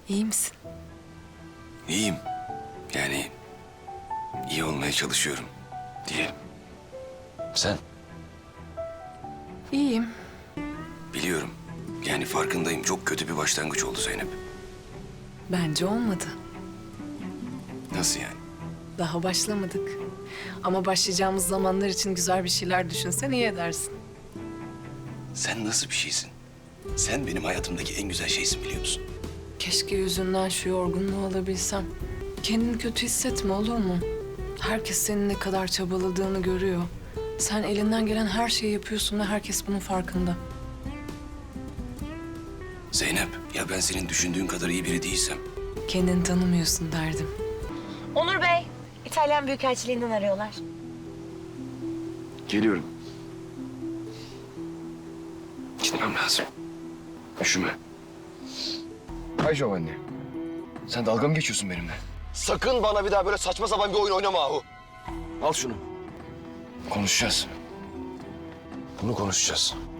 İyi misin? İyiyim. Yani iyi olmaya çalışıyorum diyelim. Sen? İyiyim. Biliyorum. Yani farkındayım. Çok kötü bir başlangıç oldu Zeynep. Bence olmadı. Nasıl yani? Daha başlamadık. Ama başlayacağımız zamanlar için güzel bir şeyler düşünsen iyi edersin. Sen nasıl bir şeysin? Sen benim hayatımdaki en güzel şeysin biliyor musun? Keşke yüzünden şu yorgunluğu alabilsem. Kendini kötü hissetme, olur mu? Herkes senin ne kadar çabaladığını görüyor. Sen elinden gelen her şeyi yapıyorsun ve herkes bunun farkında. Zeynep, ya ben senin düşündüğün kadar iyi biri değilsem? Kendini tanımıyorsun derdim. Onur Bey, İtalyan Büyükelçiliğinden arıyorlar. Geliyorum. Gitmem lazım. Üşüme. Hay Giovanni. Sen dalga mı geçiyorsun benimle? Sakın bana bir daha böyle saçma sapan bir oyun oynama Ahu. Al şunu. Konuşacağız. Bunu konuşacağız.